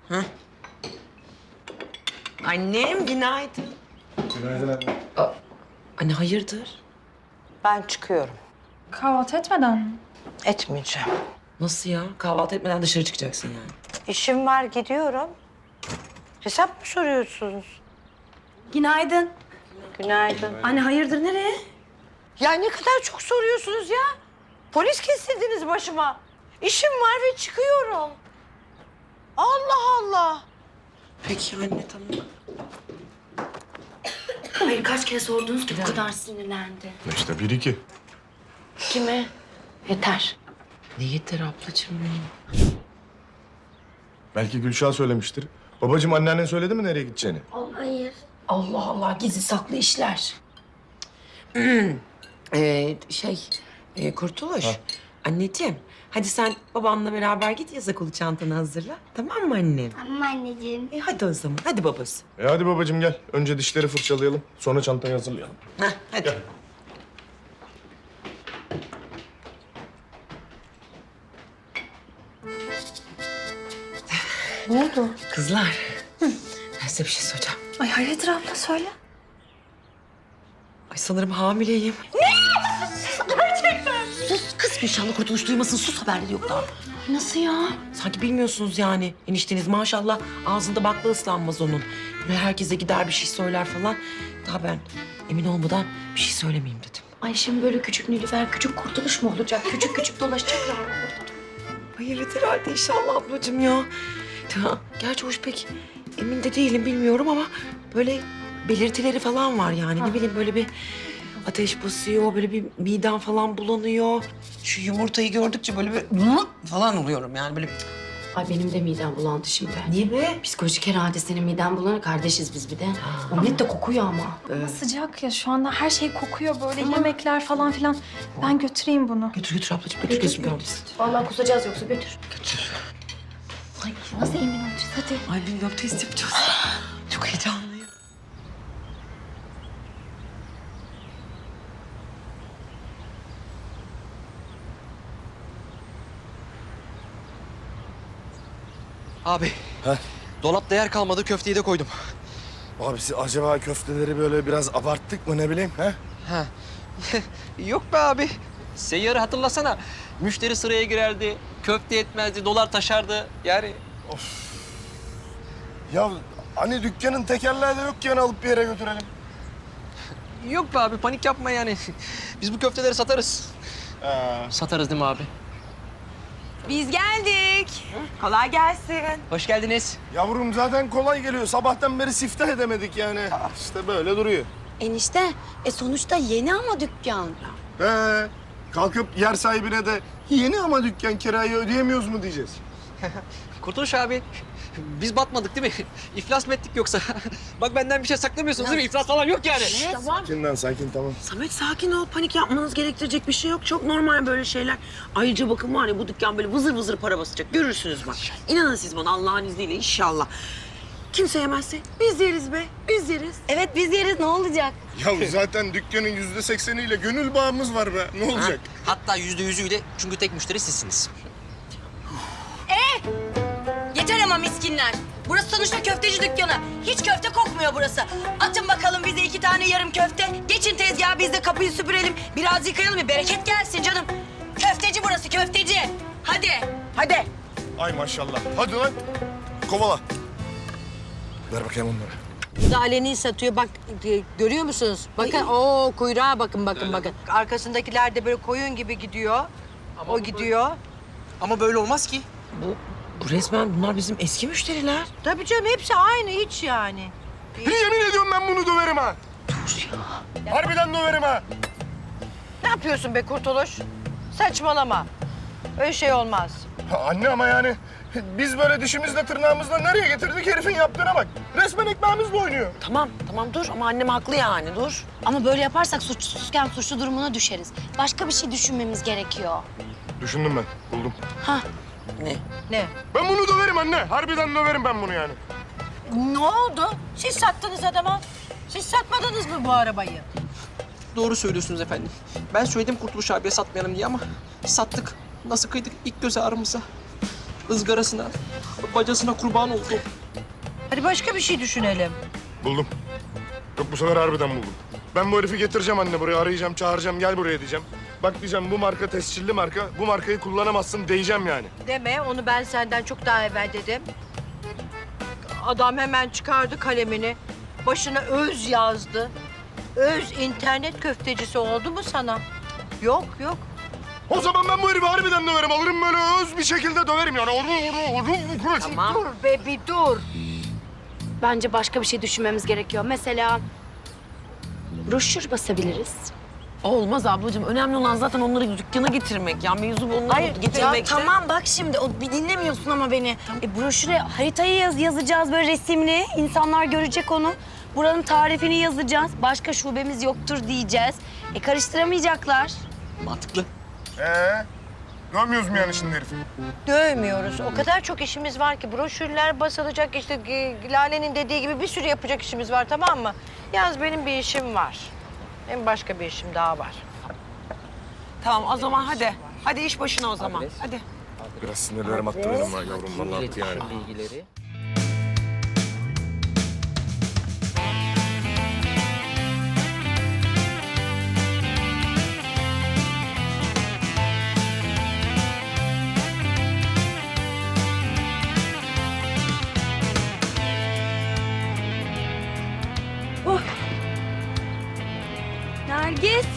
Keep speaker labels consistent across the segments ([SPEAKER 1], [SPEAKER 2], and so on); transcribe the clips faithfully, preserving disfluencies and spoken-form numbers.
[SPEAKER 1] Hah. Annem günaydın.
[SPEAKER 2] Günaydın anne.
[SPEAKER 1] Aa, anne hayırdır?
[SPEAKER 3] Ben çıkıyorum.
[SPEAKER 4] Kahvaltı etmeden mi?
[SPEAKER 3] Etmeyeceğim.
[SPEAKER 1] Nasıl ya? Kahvaltı etmeden dışarı çıkacaksın yani.
[SPEAKER 3] İşim var, gidiyorum. Hesap mı soruyorsunuz?
[SPEAKER 4] Günaydın.
[SPEAKER 3] Günaydın.
[SPEAKER 4] Anne hayırdır nereye?
[SPEAKER 3] Ya ne kadar çok soruyorsunuz ya. Polis kestirdiniz başıma. İşim var ve çıkıyorum. Allah Allah.
[SPEAKER 1] Peki anne tamam.
[SPEAKER 4] Hayır kaç kere sordunuz ki bu kadar sinirlendi.
[SPEAKER 2] İşte bir iki.
[SPEAKER 4] Kime? Yeter.
[SPEAKER 1] Ne yeter ablacığım benim.
[SPEAKER 2] Belki Gülşah söylemiştir. Babacığım anneannen söyledi mi nereye gideceğini?
[SPEAKER 4] Hayır. Allah Allah gizli saklı işler.
[SPEAKER 1] Ee, şey, e, Kurtuluş. Anneciğim, hadi sen babanla beraber git yaza kolu çantanı hazırla. Tamam mı annem?
[SPEAKER 5] Tamam anneciğim.
[SPEAKER 1] E hadi o zaman, hadi babası.
[SPEAKER 2] E hadi babacığım gel. Önce dişleri fırçalayalım. Sonra çantayı hazırlayalım.
[SPEAKER 1] Heh, hadi.
[SPEAKER 2] Gel.
[SPEAKER 4] Ne oldu?
[SPEAKER 1] Kızlar, ben size bir şey soracağım.
[SPEAKER 4] Ay hayırdır abla söyle.
[SPEAKER 1] Ay sanırım hamileyim.
[SPEAKER 6] Sus kız Gülşah'la Kurtuluş duymasın. Sus haberleri yok daha.
[SPEAKER 4] Nasıl ya?
[SPEAKER 1] Sanki bilmiyorsunuz yani. Enişteniz maşallah ağzında bakla ıslanmaz onun. Böyle herkese gider bir şey söyler falan. Daha ben emin olmadan bir şey söylemeyeyim dedim.
[SPEAKER 4] Ay şimdi böyle küçük Nilüfer, küçük Kurtuluş mu olacak? Küçük küçük dolaşacaklar mı burada?
[SPEAKER 1] Ay evet herhalde inşallah ablacığım ya. Ya, gerçi hoş pek emin de değilim bilmiyorum ama böyle belirtileri falan var yani. Ne bileyim böyle bir ateş basıyor, böyle bir midem falan bulanıyor. Şu yumurtayı gördükçe böyle bir falan oluyorum yani böyle bir...
[SPEAKER 4] Ay benim de midem bulandı şimdi.
[SPEAKER 1] Niye be?
[SPEAKER 4] Psikolojik herhalde senin miden bulanır. Kardeşiz biz bir de. Omlet de kokuyor ama.
[SPEAKER 7] Sıcak ya şu anda her şey kokuyor böyle yemekler falan filan. Ben götüreyim bunu.
[SPEAKER 1] Götür götür ablacığım götür gözüm görmesin.
[SPEAKER 4] Vallahi kusacağız yoksa götür.
[SPEAKER 1] Götür.
[SPEAKER 7] Ay nasıl emin olacağız hadi.
[SPEAKER 1] Ay bilmiyorum test yapacağız. Çok heyecanlıyım.
[SPEAKER 8] Abi.
[SPEAKER 2] Heh.
[SPEAKER 8] Dolapta yer kalmadı, köfteyi de koydum.
[SPEAKER 2] Abi siz acaba köfteleri böyle biraz abarttık mı ne bileyim ha?
[SPEAKER 8] Ha. Yok be abi. Seyyarı hatırlasana. Müşteri sıraya girerdi, köfte etmezdi, dolar taşardı. Yani
[SPEAKER 2] Ya hani dükkanın tekerleği de yok ki yani alıp bir yere götürelim.
[SPEAKER 8] yok be abi, panik yapma yani. Biz bu köfteleri satarız.
[SPEAKER 2] Ha.
[SPEAKER 8] Satarız değil mi abi?
[SPEAKER 1] Biz geldik. Kolay gelsin.
[SPEAKER 8] Hoş geldiniz.
[SPEAKER 2] Yavrum zaten kolay geliyor. Sabahtan beri siftah edemedik yani. İşte böyle duruyor.
[SPEAKER 6] Enişte e sonuçta yeni ama dükkan.
[SPEAKER 2] He. Kalkıp yer sahibine de yeni ama dükkan kirayı ödeyemiyoruz mu diyeceğiz.
[SPEAKER 8] Kurtuluş abi. Biz batmadık değil mi? İflas mı ettik yoksa? Bak benden bir şey saklamıyorsunuz değil mi? İflas falan yok yani.
[SPEAKER 2] Sakin lan sakin tamam.
[SPEAKER 1] Samet sakin ol. Panik yapmanız gerektirecek bir şey yok. Çok normal böyle şeyler. Ayrıca bakın var ya bu dükkan böyle vızır vızır para basacak. Görürsünüz bak. İnanın siz bana Allah'ın izniyle inşallah. Kimse yemezse biz yeriz be. Biz yeriz.
[SPEAKER 6] Evet biz yeriz ne olacak?
[SPEAKER 2] Ya zaten dükkanın yüzde sekseniyle gönül bağımız var be. Ne olacak?
[SPEAKER 8] Hatta yüzde yüzüyle çünkü tek müşteri sizsiniz.
[SPEAKER 6] Yeter ama miskinler. Burası sonuçta köfteci dükkanı. Hiç köfte kokmuyor burası. Atın bakalım bize iki tane yarım köfte. Geçin tezgaha biz de kapıyı süpürelim. Biraz yıkayalım bir bereket gelsin canım. Köfteci burası köfteci. Hadi.
[SPEAKER 1] Hadi.
[SPEAKER 2] Ay maşallah. Hadi lan. Kovala. Ver bakayım onları.
[SPEAKER 3] Bu da aleni satıyor. Bak e, görüyor musunuz? Bakın o kuyruğa bakın bakın bakın. Arkasındakiler de böyle koyun gibi gidiyor. o gidiyor.
[SPEAKER 8] Ama böyle olmaz ki.
[SPEAKER 1] Bu, bu resmen bunlar bizim eski müşteriler.
[SPEAKER 3] Tabii canım hepsi aynı hiç yani.
[SPEAKER 2] Yemin ediyorum ben bunu döverim ha.
[SPEAKER 1] Dur ya.
[SPEAKER 2] Harbiden döverim ha.
[SPEAKER 3] Ne yapıyorsun be Kurtuluş? Saçmalama. Öyle şey olmaz.
[SPEAKER 2] Ha, Anne ama yani biz böyle dişimizle tırnağımızla nereye getirdik herifin yaptığına bak. Resmen ekmeğimizle oynuyor.
[SPEAKER 1] Tamam tamam dur ama annem haklı yani dur.
[SPEAKER 6] Ama böyle yaparsak suçsuzken suçlu durumuna düşeriz. Başka bir şey düşünmemiz gerekiyor.
[SPEAKER 2] Düşündüm ben, buldum.
[SPEAKER 1] Ne?
[SPEAKER 3] Ne?
[SPEAKER 2] Ben bunu döverim anne. Harbiden döverim ben bunu yani.
[SPEAKER 3] Ne oldu? Siz sattınız adama. Siz satmadınız mı bu arabayı?
[SPEAKER 8] Doğru söylüyorsunuz efendim. Ben söyledim Kurtuluş abiye satmayalım diye ama sattık. Nasıl kıydık ilk göz ağrımıza. ızgarasına, bacasına kurban oldu.
[SPEAKER 3] Hadi başka bir şey düşünelim.
[SPEAKER 2] Buldum. Yok bu sefer harbiden buldum. Ben bu herifi getireceğim anne buraya. Arayacağım, çağıracağım. Gel buraya diyeceğim. Bak diyeceğim bu marka tescilli marka. Bu markayı kullanamazsın diyeceğim yani.
[SPEAKER 3] Deme, onu ben senden çok daha evvel dedim. Adam hemen çıkardı kalemini. Başına öz yazdı. Öz internet köftecisi oldu mu sana? Yok, yok.
[SPEAKER 2] O zaman ben bu herifi harbiden döverim. Alırım böyle öz bir şekilde döverim yani. Orada, orada, orada.
[SPEAKER 3] Tamam. Dur be, bir dur.
[SPEAKER 4] Bence başka bir şey düşünmemiz gerekiyor. Mesela broşür basabiliriz.
[SPEAKER 1] Olmaz ablacığım. Önemli olan zaten onları dükkana getirmek. Ya mevzu onları
[SPEAKER 6] Hayır,
[SPEAKER 1] getirmek.
[SPEAKER 6] ya tamam bak şimdi o bir dinlemiyorsun ama beni. E, broşüre haritayı yaz, yazacağız böyle resimli. İnsanlar görecek onu. Buranın tarifini yazacağız. Başka şubemiz yoktur diyeceğiz. E karıştıramayacaklar.
[SPEAKER 8] Mantıklı.
[SPEAKER 2] Ee, dövmüyoruz mu yani şimdi herifi?
[SPEAKER 3] Dövmüyoruz. O kadar çok işimiz var ki. Broşürler basılacak, işte e, Lale'nin dediği gibi bir sürü yapacak işimiz var, tamam mı? Yalnız benim bir işim var. Benim başka bir işim daha var.
[SPEAKER 1] Tamam o zaman hadi. Hadi iş başına o zaman. Hadi.
[SPEAKER 2] Biraz sinirlerim attı benim ha yavrum. Vallahi attı yani.
[SPEAKER 8] Bilgileri.
[SPEAKER 4] Nergis.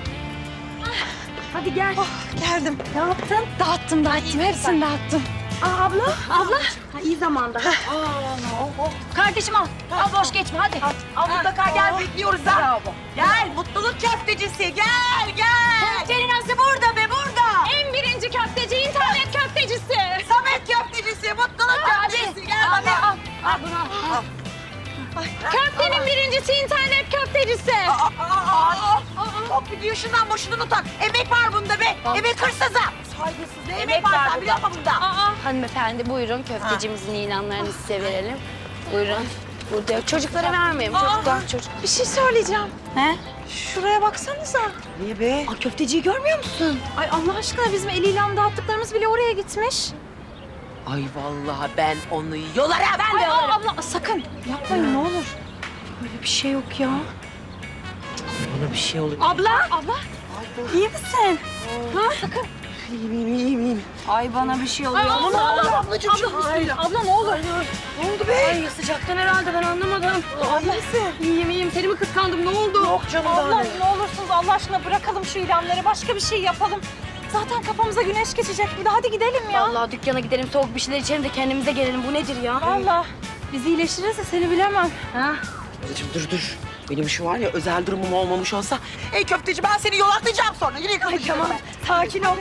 [SPEAKER 4] Hadi gel.
[SPEAKER 7] Geldim.
[SPEAKER 4] Ne yaptın?
[SPEAKER 7] Dağıttım, dağıttım. Hepsini dağıttım.
[SPEAKER 4] Aa, abla, abla. Ha, iyi zamanda. Kardeşim al. Al boş geçme hadi.
[SPEAKER 6] Al mutlaka gel bekliyoruz ha. Gel mutluluk köftecisi gel gel.
[SPEAKER 4] Köfteninası burada be burada. En birinci köfteci, internet köftecisi.
[SPEAKER 6] Samet köftecisi mutluluk köftecisi gel
[SPEAKER 4] Al,
[SPEAKER 6] bana.
[SPEAKER 4] al, al bunu al. Köftenin birincisi internet köftecisi.
[SPEAKER 6] Çok biliyor şundan boşluğunu tak. Emek var bunda be. Emek hırsızı. Saygısız ne emek var sen biliyor musun bunda?
[SPEAKER 4] Hanımefendi buyurun köftecimizin ilanlarını size verelim. Buyurun. Burada çocuklara vermeyin. Çocuklar çocuk.
[SPEAKER 7] Bir şey söyleyeceğim.
[SPEAKER 4] He?
[SPEAKER 7] Şuraya baksanıza.
[SPEAKER 1] Niye be?
[SPEAKER 4] Aa, köfteciyi görmüyor musun?
[SPEAKER 7] Ay Allah aşkına bizim el ilan dağıttıklarımız bile oraya gitmiş.
[SPEAKER 1] Ay vallahi ben onu yolarım.
[SPEAKER 4] Ben de
[SPEAKER 7] Ay
[SPEAKER 4] alırım.
[SPEAKER 7] abla sakın yapmayın ne olur. Böyle bir şey yok ya.
[SPEAKER 1] Bana bir şey oluyor.
[SPEAKER 4] Abla. Abla. İyi misin?
[SPEAKER 1] İyiyim iyiyim iyiyim iyiyim.
[SPEAKER 4] Ay bana bir şey oluyor.
[SPEAKER 7] Ay, abla, abla,
[SPEAKER 1] ablacığım
[SPEAKER 7] Abla, abla ne olur.
[SPEAKER 4] Ne oldu be? Ay sıcaktan herhalde ben anlamadım.
[SPEAKER 7] Abla.
[SPEAKER 4] İyiyim iyiyim. Seni mi kıskandım? Ne oldu?
[SPEAKER 1] Yok canım
[SPEAKER 7] Abla
[SPEAKER 1] daha ne?
[SPEAKER 7] ne olursunuz Allah aşkına bırakalım şu ilanları. Başka bir şey yapalım. Zaten kafamıza güneş geçecek bir de. Hadi gidelim ya.
[SPEAKER 4] Vallahi dükkana gidelim soğuk bir şeyler içelim de kendimize gelelim. Bu nedir ya?
[SPEAKER 7] Vallahi biz iyileşiriz de seni bilemem.
[SPEAKER 4] Ha?
[SPEAKER 1] Ablacığım dur dur. Benim şu var ya özel durumum olmamış olsa. Ey köfteci ben seni yolaklayacağım sonra. Yine kapatacağım.
[SPEAKER 7] Tamam sakin ol.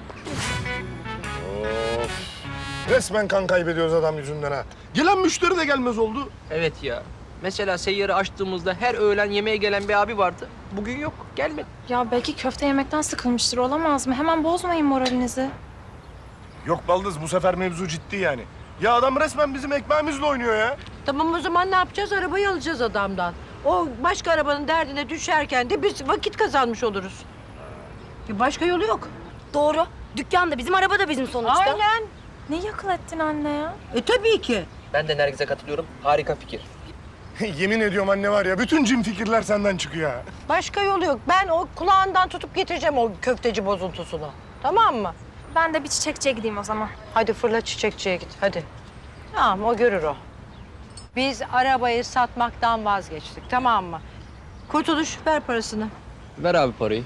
[SPEAKER 2] Of. Resmen kan kaybediyoruz adam yüzünden ha. Gelen müşteri de gelmez oldu.
[SPEAKER 8] Evet ya. Mesela seyyarı açtığımızda her öğlen yemeğe gelen bir abi vardı. Bugün yok, gelmedi.
[SPEAKER 7] Ya belki köfte yemekten sıkılmıştır olamaz mı? Hemen bozmayın moralinizi.
[SPEAKER 2] Yok Baldız bu sefer mevzu ciddi yani. Ya adam resmen bizim ekmeğimizle oynuyor ya.
[SPEAKER 3] Tamam o zaman ne yapacağız? Arabayı alacağız adamdan. O başka arabanın derdine düşerken de biz vakit kazanmış oluruz. Bir başka yolu yok.
[SPEAKER 4] Doğru. Dükkan da bizim, araba da bizim sonuçta.
[SPEAKER 3] Aynen.
[SPEAKER 7] Ne yakıl ettin anne ya?
[SPEAKER 3] E tabii ki.
[SPEAKER 8] Ben de Nergiz'e katılıyorum. Harika fikir.
[SPEAKER 2] Yemin ediyorum anne var ya bütün cin fikirler senden çıkıyor ha.
[SPEAKER 3] Başka yolu yok. Ben o kulağından tutup getireceğim o köfteci bozuntusunu. Tamam mı?
[SPEAKER 7] Ben de bir çiçekçiye gideyim o zaman.
[SPEAKER 3] Hadi fırla çiçekçiye git. Hadi. Tamam o görür o. Biz arabayı satmaktan vazgeçtik. Tamam mı? Kurtuluş ver parasını.
[SPEAKER 8] Ver abi parayı.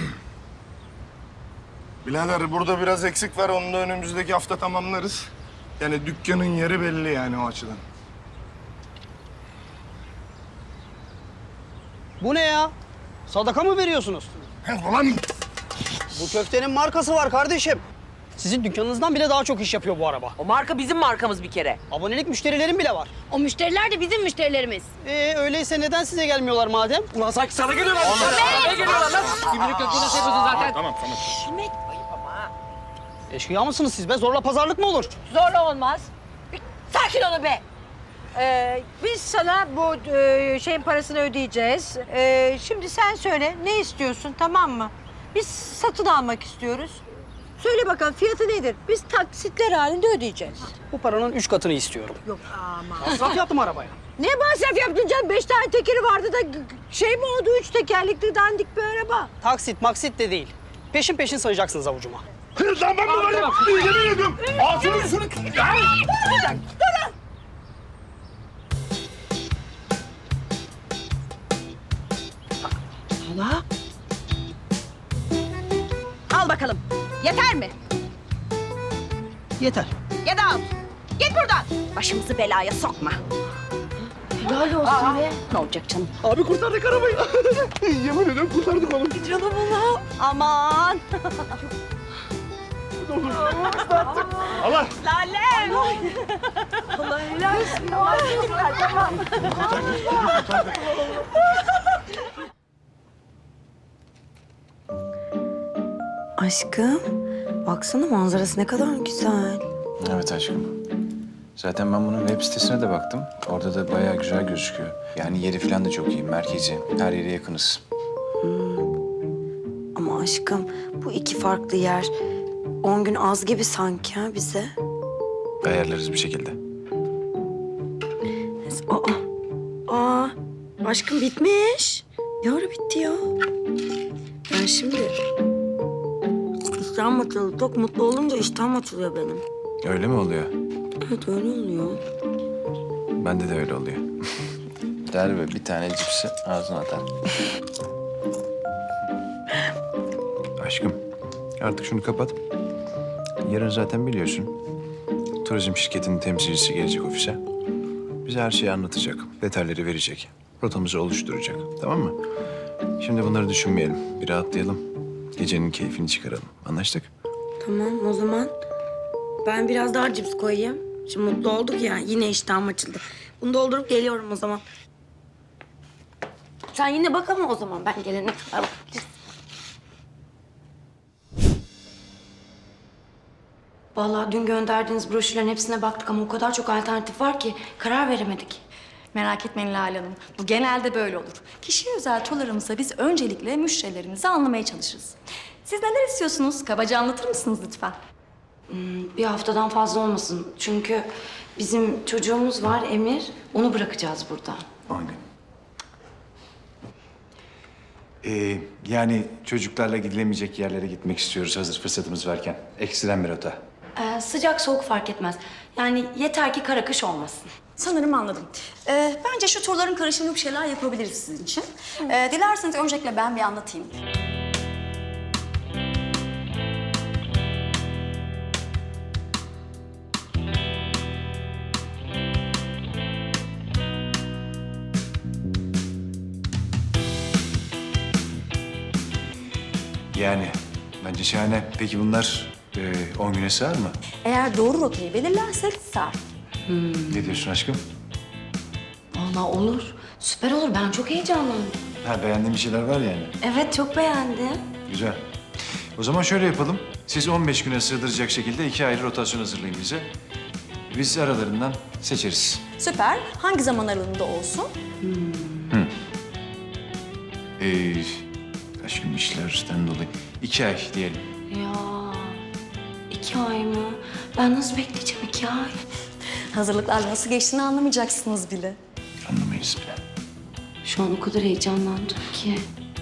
[SPEAKER 2] Birader burada biraz eksik var onu da önümüzdeki hafta tamamlarız. Yani dükkanın yeri belli yani o açıdan.
[SPEAKER 5] Bu ne ya? Sadaka mı veriyorsunuz?
[SPEAKER 2] Ulan
[SPEAKER 5] Bu köftenin markası var kardeşim. Sizin dükkanınızdan bile daha çok iş yapıyor bu araba.
[SPEAKER 1] O marka bizim markamız bir kere.
[SPEAKER 5] Abonelik müşterilerim bile var.
[SPEAKER 4] O müşteriler de bizim müşterilerimiz.
[SPEAKER 5] Ee öyleyse neden size gelmiyorlar madem?
[SPEAKER 1] Ulan sanki sana geliyorlar.
[SPEAKER 8] Ne geliyorlar lan? Gümrük yok nasıl yapıyorsun zaten?
[SPEAKER 2] tamam tamam.
[SPEAKER 5] Eşkıya mısınız siz be? Zorla pazarlık mı olur?
[SPEAKER 3] Zorla olmaz. Bir sakin olun be. Ee, biz sana bu e, şeyin parasını ödeyeceğiz. Ee, şimdi sen söyle ne istiyorsun tamam mı? Biz satın almak istiyoruz. Söyle bakalım fiyatı nedir? Biz taksitler halinde ödeyeceğiz.
[SPEAKER 5] Bu paranın üç katını istiyorum.
[SPEAKER 3] Yok ama.
[SPEAKER 5] Masraf yaptım arabaya.
[SPEAKER 3] Ne masraf yaptın canım? Beş tane tekeri vardı da g- g- şey mi oldu? Üç tekerlekli dandik bir araba.
[SPEAKER 5] Taksit maksit de değil. Peşin peşin sayacaksınız avucuma.
[SPEAKER 2] Kız lan ben mi varım? Yemin ediyorum. Ağzını yüzünü... Ya!
[SPEAKER 1] Hala?
[SPEAKER 7] Al bakalım. Yeter mi?
[SPEAKER 5] Yeter.
[SPEAKER 7] Ya da al. Git buradan. Başımızı belaya sokma.
[SPEAKER 1] Helal olsun be.
[SPEAKER 7] Ne olacak canım?
[SPEAKER 2] Abi kurtardık arabayı. Yemin ediyorum kurtardık oğlum.
[SPEAKER 1] Canım Allah.
[SPEAKER 7] Aman.
[SPEAKER 2] Allah.
[SPEAKER 7] Lale.
[SPEAKER 1] Allah helal olsun.
[SPEAKER 9] Aşkım, baksana manzarası ne kadar güzel.
[SPEAKER 10] Evet aşkım. Zaten ben bunun web sitesine de baktım. Orada da bayağı güzel gözüküyor. Yani yeri falan da çok iyi, merkezi. Her yere yakınız.
[SPEAKER 9] Ama aşkım, bu iki farklı yer on gün az gibi sanki ha bize.
[SPEAKER 10] Ayarlarız bir şekilde.
[SPEAKER 9] Aa, aa, aşkım bitmiş. Ne ara bitti ya? Ben şimdi iştahım açıldı. Çok mutlu olunca iştahım açılıyor benim.
[SPEAKER 10] Öyle mi oluyor?
[SPEAKER 9] Evet öyle oluyor.
[SPEAKER 10] Bende de öyle oluyor. Der ve bir tane cipsi ağzına atar. Aşkım, artık şunu kapat. Yarın zaten biliyorsun. Turizm şirketinin temsilcisi gelecek ofise. Bize her şeyi anlatacak, detayları verecek. Rotamızı oluşturacak, tamam mı? Şimdi bunları düşünmeyelim, bir rahatlayalım. Gecenin keyfini çıkaralım. Anlaştık?
[SPEAKER 9] Tamam o zaman ben biraz daha cips koyayım. Şimdi mutlu olduk ya yine iştahım açıldı. Bunu doldurup geliyorum o zaman. Sen yine bak ama o zaman ben gelene kadar bakabilirsin. Vallahi dün gönderdiğiniz broşürlerin hepsine baktık ama o kadar çok alternatif var ki karar veremedik.
[SPEAKER 11] Merak etmeyin Lale Hanım. Bu genelde böyle olur. Kişiye özel turlarımızda biz öncelikle müşterilerimizi anlamaya çalışırız. Siz neler istiyorsunuz? Kabaca anlatır mısınız lütfen?
[SPEAKER 9] Hmm, bir haftadan fazla olmasın. Çünkü bizim çocuğumuz var Emir. Onu bırakacağız burada.
[SPEAKER 10] On gün. Ee, yani çocuklarla gidilemeyecek yerlere gitmek istiyoruz hazır fırsatımız varken. Ekstrem bir rota.
[SPEAKER 9] Ee, sıcak soğuk fark etmez. Yani yeter ki kara kış olmasın.
[SPEAKER 11] Sanırım anladım. Ee, bence şu turların karışımı bir şeyler yapabiliriz sizin için. Ee, dilerseniz öncelikle ben bir anlatayım.
[SPEAKER 10] Yani bence şahane. Peki bunlar e, on güne sığar mı?
[SPEAKER 11] Eğer doğru rotayı belirlersek sar.
[SPEAKER 10] Ne diyorsun aşkım?
[SPEAKER 9] Vallahi olur. Süper olur. Ben çok heyecanlandım.
[SPEAKER 10] Ha beğendiğin bir şeyler var yani.
[SPEAKER 9] Evet çok beğendim.
[SPEAKER 10] Güzel. O zaman şöyle yapalım. Siz on beş güne sığdıracak şekilde iki ayrı rotasyon hazırlayın bize. Biz aralarından seçeriz.
[SPEAKER 11] Süper. Hangi zaman aralığında olsun?
[SPEAKER 10] Ee, kaç gün işlerden dolayı? İki ay diyelim.
[SPEAKER 9] Ya iki ay mı? Ben nasıl bekleyeceğim iki ay?
[SPEAKER 11] Hazırlıklarla nasıl geçtiğini anlamayacaksınız bile.
[SPEAKER 10] Anlamayız bile.
[SPEAKER 9] Şu an o kadar heyecanlandım ki.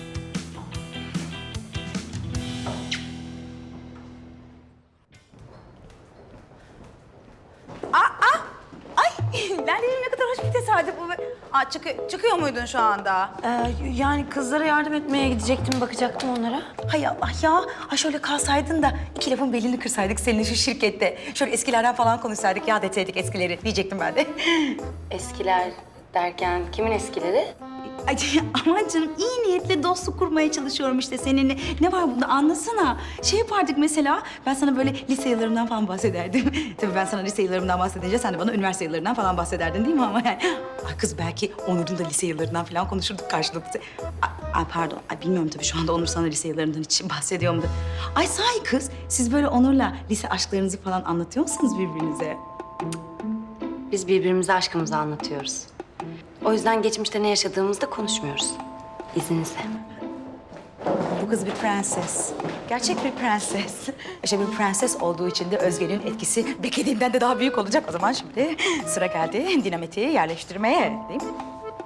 [SPEAKER 7] Lale'nin ne kadar hoş bir tesadüf bu. Aa, çıkı- çıkıyor muydun şu anda?
[SPEAKER 9] Ee, yani kızlara yardım etmeye gidecektim, bakacaktım onlara.
[SPEAKER 7] Hay Allah ya. Ha şöyle kalsaydın da iki lafın belini kırsaydık seninle şu şirkette. Şöyle eskilerden falan konuşsaydık, yad etseydik eskileri diyecektim ben de.
[SPEAKER 9] Eskiler derken kimin eskileri?
[SPEAKER 7] Ay, aman canım iyi niyetle dostluk kurmaya çalışıyorum işte seninle. Ne var bunda anlasana. Şey yapardık mesela ben sana böyle lise yıllarımdan falan bahsederdim. Tabii ben sana lise yıllarımdan bahsedince sen de bana üniversite yıllarından falan bahsederdin değil mi ama yani. Ay kız belki Onur'un da lise yıllarından falan konuşurduk karşılıklı. Ay, ay pardon ay bilmiyorum tabii şu anda Onur sana lise yıllarından hiç bahsediyor mudur? Ay sahi kız siz böyle Onur'la lise aşklarınızı falan anlatıyor musunuz birbirinize?
[SPEAKER 9] Biz birbirimize aşkımızı anlatıyoruz. O yüzden geçmişte ne yaşadığımızda konuşmuyoruz. İzninizle.
[SPEAKER 7] Bu kız bir prenses. Gerçek bir prenses. İşte bir prenses olduğu için de Özge'nin etkisi beklediğimden de daha büyük olacak. O zaman şimdi sıra geldi dinamiti yerleştirmeye, değil mi?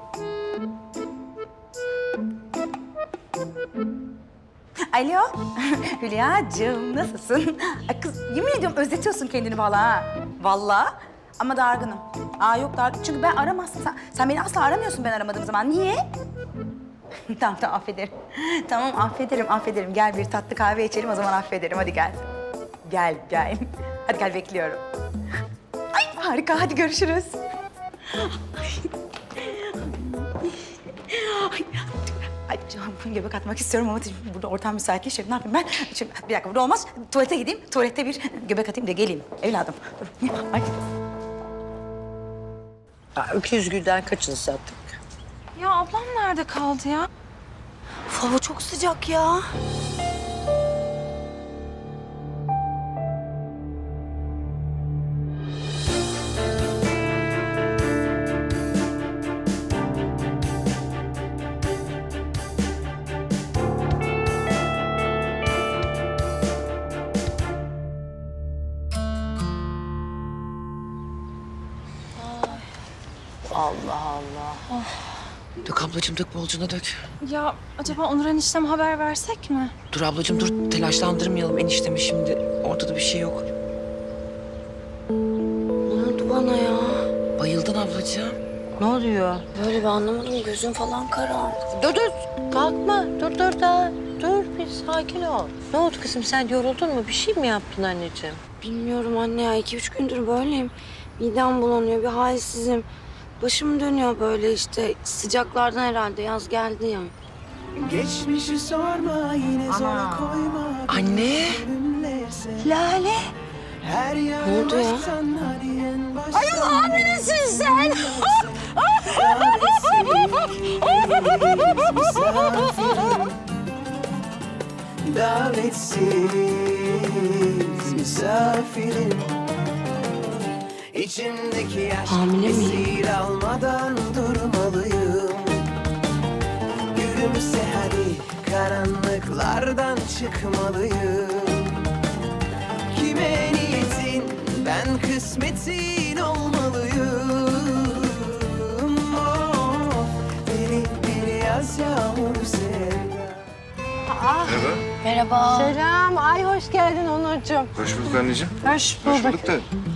[SPEAKER 7] Alo, Hülya'cığım nasılsın? Ay kız yemin ediyorum özletiyorsun kendini vallahi ha. Vallahi ama dargınım. Aa yok dargın çünkü ben aramazsın. Sen, sen beni asla aramıyorsun ben aramadığım zaman. Niye? Tamam tamam affederim. Tamam affederim affederim. Gel bir tatlı kahve içelim o zaman affederim. Hadi gel. Gel gel. Hadi gel bekliyorum. Ay harika hadi görüşürüz. Ay, ay canım göbek atmak istiyorum ama şimdi burada ortam müsait değil. Şimdi ne yapayım ben? Şimdi, bir dakika burada olmaz. Tuvalete gideyim. Tuvalette bir göbek atayım da geleyim. Evladım. Dur. Ay.
[SPEAKER 3] Öküz gülden kaçını sattık?
[SPEAKER 11] Ya ablam nerede kaldı ya? Uf, hava çok sıcak ya.
[SPEAKER 3] Allah Allah.
[SPEAKER 1] Dök ablacığım dök bolcuna dök.
[SPEAKER 11] Ya acaba Onur eniştem haber versek mi?
[SPEAKER 1] Dur ablacığım dur telaşlandırmayalım eniştemi şimdi. Ortada bir şey yok.
[SPEAKER 9] Ne oldu bana ya?
[SPEAKER 1] Bayıldın ablacığım.
[SPEAKER 3] Ne oluyor?
[SPEAKER 9] Böyle bir anlamadım. Gözüm falan karardı.
[SPEAKER 3] Dur dur. Kalkma. Dur dur da. Dur bir sakin ol. Ne oldu kızım sen yoruldun mu? Bir şey mi yaptın anneciğim?
[SPEAKER 9] Bilmiyorum anne ya. iki üç gündür böyleyim. Midem bulanıyor. Bir halsizim. Başım dönüyor böyle işte. Sıcaklardan herhalde. Yaz geldi ya.
[SPEAKER 12] Geçmişi sorma yine zor koyma.
[SPEAKER 1] Anne.
[SPEAKER 9] Lale.
[SPEAKER 12] Her
[SPEAKER 9] Ne oldu ya?
[SPEAKER 12] Ay hamilesin sen. Davetsiz misafirim. İçimdeki yaş
[SPEAKER 9] Hamile miyim?
[SPEAKER 12] esir almadan durmalıyım. Gülümse hadi karanlıklardan çıkmalıyım. Kime niyetin ben kısmetin olmalıyım. Oh, deli bir yaz yağmur sevda.
[SPEAKER 10] Merhaba.
[SPEAKER 4] Merhaba.
[SPEAKER 3] Selam. Ay hoş geldin Onurcuğum.
[SPEAKER 10] Hoş bulduk anneciğim.
[SPEAKER 3] Hoş bulduk.
[SPEAKER 10] Hoş bulduk da.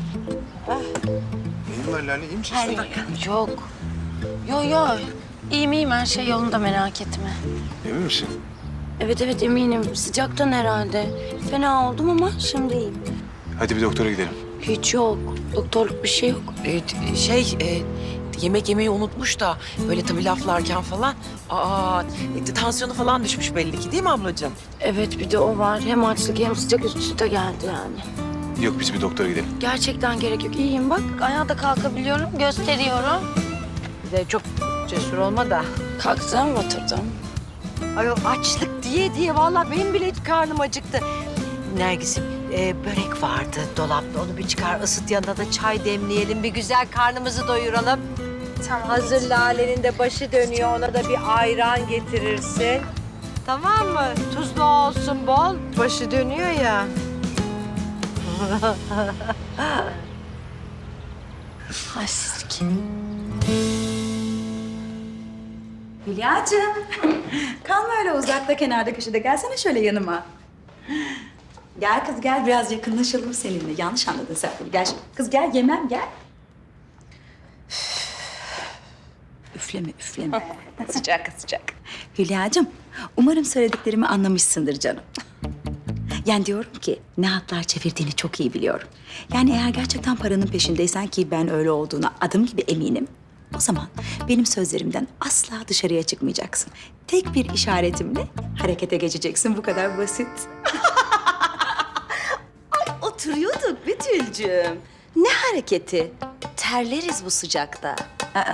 [SPEAKER 10] Neyin var Lale? İyi misin sen?
[SPEAKER 4] Yok. Yo yo. İyiyim iyiyim her şey yolunda merak etme.
[SPEAKER 10] Emin misin?
[SPEAKER 9] Evet evet eminim. Sıcaktan herhalde. Fena oldum ama şimdi iyiyim.
[SPEAKER 10] Hadi bir doktora gidelim.
[SPEAKER 9] Hiç yok. Doktorluk bir şey yok.
[SPEAKER 1] Ee, şey e, yemek yemeyi unutmuş da böyle tabii laflarken falan. Aa e, tansiyonu falan düşmüş belli ki değil mi ablacığım?
[SPEAKER 9] Evet bir de o var. Hem açlık hem sıcak üst üste geldi yani.
[SPEAKER 10] Yok biz bir doktora gidelim.
[SPEAKER 9] Gerçekten gerek yok. İyiyim bak.
[SPEAKER 4] Ayağa da kalkabiliyorum, gösteriyorum.
[SPEAKER 3] Bir de çok cesur olma da.
[SPEAKER 9] Kalktım oturdum.
[SPEAKER 3] Ay o açlık diye diye vallahi benim bile karnım acıktı. Nergis'im e, börek vardı dolapta. Onu bir çıkar ısıt yanına da çay demleyelim. Bir güzel karnımızı doyuralım.
[SPEAKER 9] Tamam.
[SPEAKER 3] Hazır Lale'nin de başı dönüyor. Ona da bir ayran getirirsin. Tamam mı? Tuzlu olsun bol. Başı dönüyor ya.
[SPEAKER 4] Ay siz
[SPEAKER 7] Hülya'cığım. Kalma öyle uzakta kenarda köşede. Gelsene şöyle yanıma. Gel kız gel biraz yakınlaşalım seninle. Yanlış anladın sen beni. Gel kız gel yemem gel. Üfleme üfleme. sıcak sıcak. Hülya'cığım umarım söylediklerimi anlamışsındır canım. Yani diyorum ki ne hatlar çevirdiğini çok iyi biliyorum. Yani eğer gerçekten paranın peşindeysen ki ben öyle olduğuna adım gibi eminim. O zaman benim sözlerimden asla dışarıya çıkmayacaksın. Tek bir işaretimle harekete geçeceksin. Bu kadar basit. Ay oturuyorduk Betül'cüğüm.
[SPEAKER 6] Ne hareketi? Terleriz bu sıcakta.
[SPEAKER 7] Aa.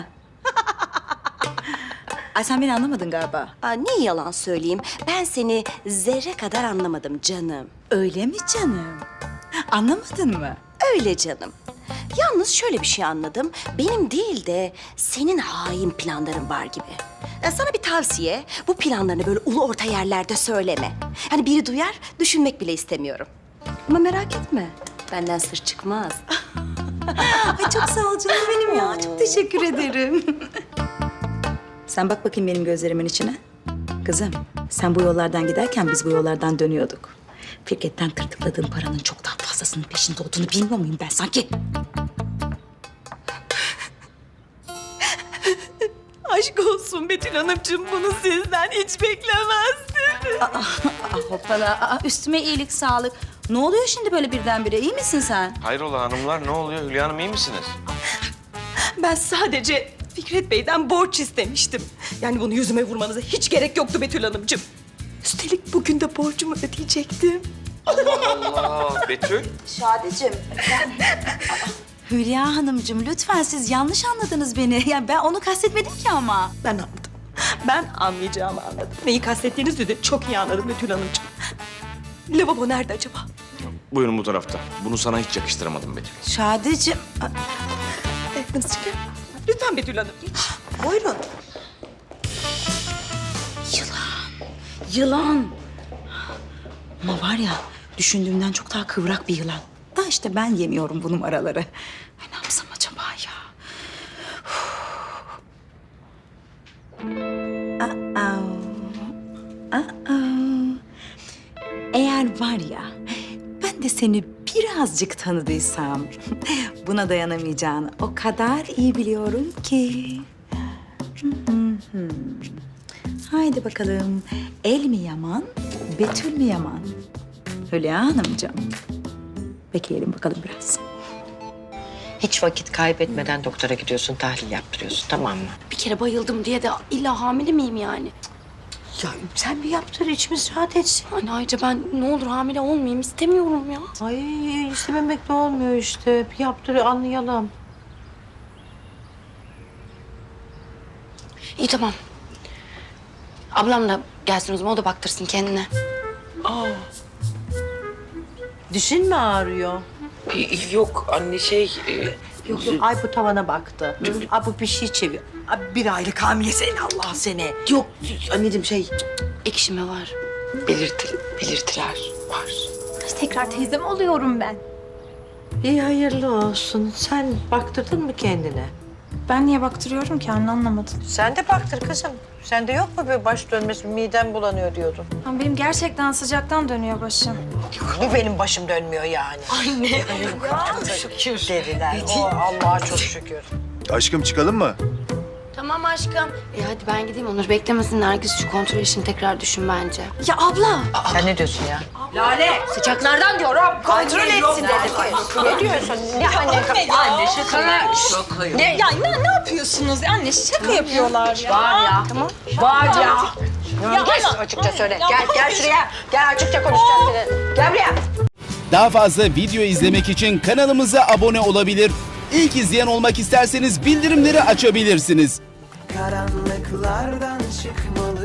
[SPEAKER 7] Ay sen beni anlamadın galiba.
[SPEAKER 6] Aa, ne yalan söyleyeyim. Ben seni zerre kadar anlamadım canım.
[SPEAKER 7] Öyle mi canım? Anlamadın mı?
[SPEAKER 6] Öyle canım. Yalnız şöyle bir şey anladım. Benim değil de senin hain planların var gibi. e, sana bir tavsiye. Bu planlarını böyle ulu orta yerlerde söyleme. Hani biri duyar, düşünmek bile istemiyorum. Ama merak etme, benden sır çıkmaz.
[SPEAKER 7] Ay çok sağ ol canım benim ya. Çok teşekkür ederim. Sen bak bakayım benim gözlerimin içine. Kızım, sen bu yollardan giderken biz bu yollardan dönüyorduk. Firket'ten tırtıkladığın paranın çok daha fazlasının peşinde olduğunu bilmiyor muyum ben sanki?
[SPEAKER 6] Aşk olsun Betül Hanımcığım, bunu sizden hiç beklemezdim.
[SPEAKER 7] Aa, hoppala. Aa, üstüme iyilik, sağlık. Ne oluyor şimdi böyle birdenbire? İyi misin sen?
[SPEAKER 13] Hayrola hanımlar, ne oluyor? Hülya Hanım iyi misiniz?
[SPEAKER 6] Ben sadece Fikret Bey'den borç istemiştim. Yani bunu yüzüme vurmanıza hiç gerek yoktu Betül Hanımcığım. Üstelik bugün de borcumu ödeyecektim.
[SPEAKER 13] Allah Allah, Betül.
[SPEAKER 7] Şadeciğim. Hülya Hanımcığım lütfen siz yanlış anladınız beni. Yani ben onu kastetmedim ki ama.
[SPEAKER 6] Ben anladım. Ben anlayacağımı anladım. Neyi kastettiğinizi de çok iyi anladım Betül Hanımcığım. Lavabo nerede acaba?
[SPEAKER 13] Buyurun bu tarafta. Bunu sana hiç yakıştıramadım Betül.
[SPEAKER 7] Şadeciğim.
[SPEAKER 6] Nasıl çıkar? Lütfen Betül Hanım. Buyurun.
[SPEAKER 7] Yılan. Yılan. Ama var ya düşündüğümden çok daha kıvrak bir yılan. Da işte ben yemiyorum bu numaraları. Ay ne yapsam acaba ya? Aa. Aa. Eğer var ya ben de seni birazcık tanıdıysam buna dayanamayacağını o kadar iyi biliyorum ki. Haydi bakalım. El mi yaman, Betül mü yaman? Hülya Hanımcığım. Bekleyelim bakalım biraz.
[SPEAKER 3] Hiç vakit kaybetmeden doktora gidiyorsun, tahlil yaptırıyorsun, tamam mı?
[SPEAKER 9] Bir kere bayıldım diye de illa hamile miyim yani?
[SPEAKER 3] Ya sen bir yaptır, içimiz rahat etsin.
[SPEAKER 9] Hani ayrıca ben ne olur hamile olmayayım istemiyorum ya.
[SPEAKER 3] Ay istememek de olmuyor işte. Bir yaptır, anlayalım.
[SPEAKER 9] İyi tamam. Ablam da gelsin o zaman, o da baktırsın kendine.
[SPEAKER 3] Aa. Dişin mi ağrıyor?
[SPEAKER 1] Yok anne şey... e,
[SPEAKER 3] Yok yok, ay bu tavana baktı. Ay bu bir şey çeviriyor. Ay bir aylık hamilesin Allah seni.
[SPEAKER 1] Yok anneciğim şey...
[SPEAKER 9] Ekşime var.
[SPEAKER 1] Belirti, belirtiler var.
[SPEAKER 11] Tekrar teyzem oluyorum ben.
[SPEAKER 3] İyi hayırlı olsun. Sen baktırdın mı kendine?
[SPEAKER 11] Ben niye baktırıyorum ki anne, anlamadım.
[SPEAKER 3] Sen de baktır kızım. Sende yok mu bir baş dönmesi, midem bulanıyor diyordun.
[SPEAKER 11] Ama benim gerçekten sıcaktan dönüyor başım.
[SPEAKER 3] Bu benim başım dönmüyor yani. Anne. Ya, şükür dediler. O Allah'a çok şükür.
[SPEAKER 10] Aşkım çıkalım mı?
[SPEAKER 9] Tamam aşkım. E hadi ben gideyim, Onur beklemesin. Herkes şu kontrol işini tekrar düşün bence.
[SPEAKER 6] Ya abla.
[SPEAKER 3] Sen ne diyorsun ya?
[SPEAKER 6] Lale. Sıcaklardan diyorum. Kontrol etsin dedim.
[SPEAKER 3] Ne diyorsun? Ne anne? Anne şaka.
[SPEAKER 6] Ne, ya ne, ne yapıyorsunuz? Anne şaka yapıyorlar ya.
[SPEAKER 3] Var ya. Tamam. Var ya. Ya gel açıkça söyle. Gel gel şuraya. Gel açıkça konuşacağım seninle. Gel buraya.
[SPEAKER 14] Daha fazla video izlemek için kanalımıza abone olabilir. İlk izleyen olmak isterseniz bildirimleri açabilirsiniz.
[SPEAKER 12] Karanlıklardan çıkmalı